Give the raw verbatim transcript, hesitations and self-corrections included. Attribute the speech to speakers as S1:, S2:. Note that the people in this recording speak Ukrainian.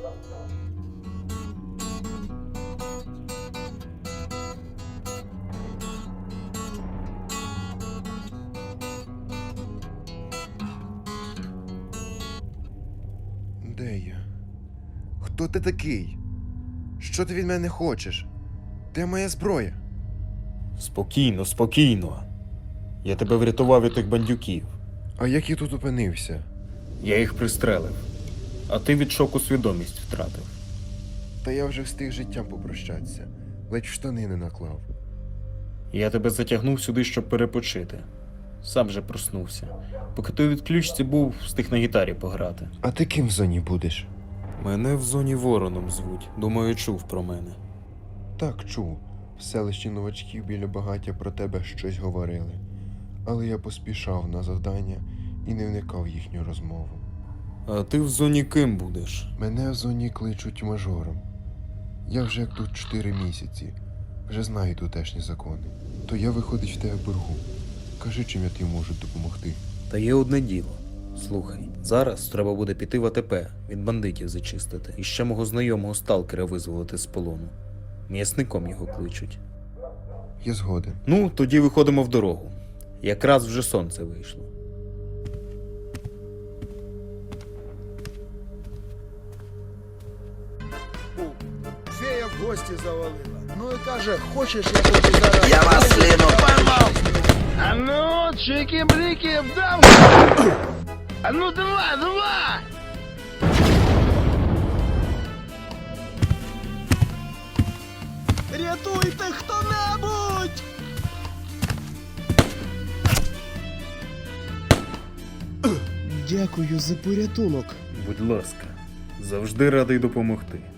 S1: Де я? Хто ти такий? Що ти від мене хочеш? Де моя зброя?
S2: Спокійно, спокійно. Я тебе врятував від тих бандюків.
S1: А як я тут опинився?
S2: Я їх пристрелив. А ти від шоку свідомість втратив.
S1: Та я вже встиг з життям попрощатися. Ледь в штани не наклав.
S2: Я тебе затягнув сюди, щоб перепочити. Сам же проснувся. Поки ти у відключці був, встиг на гітарі пограти.
S1: А ти ким в зоні будеш?
S2: Мене в зоні Вороном звуть. Думаю, чув про мене.
S1: Так, чув. В селищі новачків біля багаття про тебе щось говорили. Але я поспішав на завдання і не вникав в їхню розмову.
S2: А ти в зоні ким будеш?
S1: Мене в зоні кличуть мажором. Я вже як тут чотири місяці. Вже знаю тутешні закони. То я виходить в тебе боргу. Кажи, чим я тобі можу допомогти.
S2: Та є одне діло. Слухай, зараз треба буде піти в АТП, від бандитів зачистити. І ще мого знайомого сталкера визволити з полону. М'ясником його кличуть.
S1: Я згоден.
S2: Ну, тоді виходимо в дорогу. Якраз вже сонце вийшло.
S3: Фея в гості завалила. Ну і каже, хочеш, я тобі зараз...
S4: Я вас сліну поймав!
S3: А ну, чики-брики, вдам! А ну, давай, давай! Рятуйте хто-небудь! Дякую за порятунок.
S2: Будь ласка, завжди радий допомогти.